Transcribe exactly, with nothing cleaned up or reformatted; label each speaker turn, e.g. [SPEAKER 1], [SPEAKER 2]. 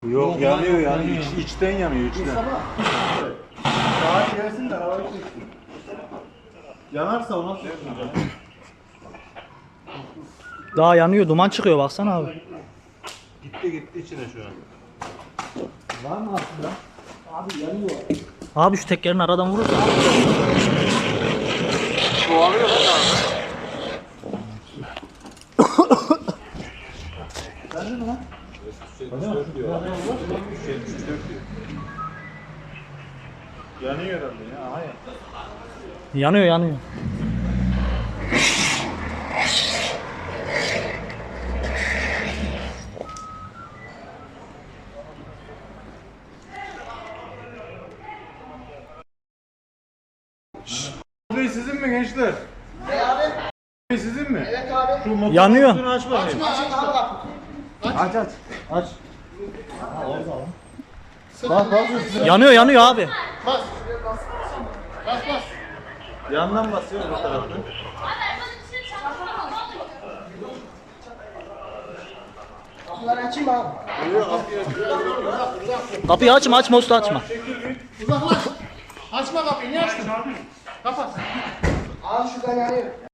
[SPEAKER 1] Yok yanıyor yani İç, içten yanıyor içten.
[SPEAKER 2] Sağa gelsin de havayı çeksin. Yanarsa o nasıl yapacak?
[SPEAKER 3] Daha yanıyor, duman çıkıyor baksana abi.
[SPEAKER 1] Gitti gitti içine şu an.
[SPEAKER 2] Var mı aslında? Abi yanıyor.
[SPEAKER 3] Abi şu tekerin aradan vurursa.
[SPEAKER 1] Çoğalıyor lan abi.
[SPEAKER 2] Sen mi lan?
[SPEAKER 1] Yanıyor herhalde ya. Hayır.
[SPEAKER 3] Yanıyor yanıyor.
[SPEAKER 1] Bu sizin mi gençler?
[SPEAKER 4] Ne abi?
[SPEAKER 1] Bu sizin mi?
[SPEAKER 4] Evet abi.
[SPEAKER 1] Şu motor
[SPEAKER 3] Yanıyor.
[SPEAKER 1] kutusunu aç bakayım.
[SPEAKER 4] Açın abi kapı.
[SPEAKER 2] Aç aç. Aç. Ha orada lan. Bak bak üstüne.
[SPEAKER 3] Yanıyor yanıyor abi.
[SPEAKER 4] Bas. Bas bas.
[SPEAKER 1] Yandan basıyor bu taraftan.
[SPEAKER 4] Kapıları açayım mı abi?
[SPEAKER 3] Kapıyı açma açma usta açma.
[SPEAKER 4] Uzaklaş. Açma kapıyı. Niye açtın? Kapat. Abi şuradan yanıyor.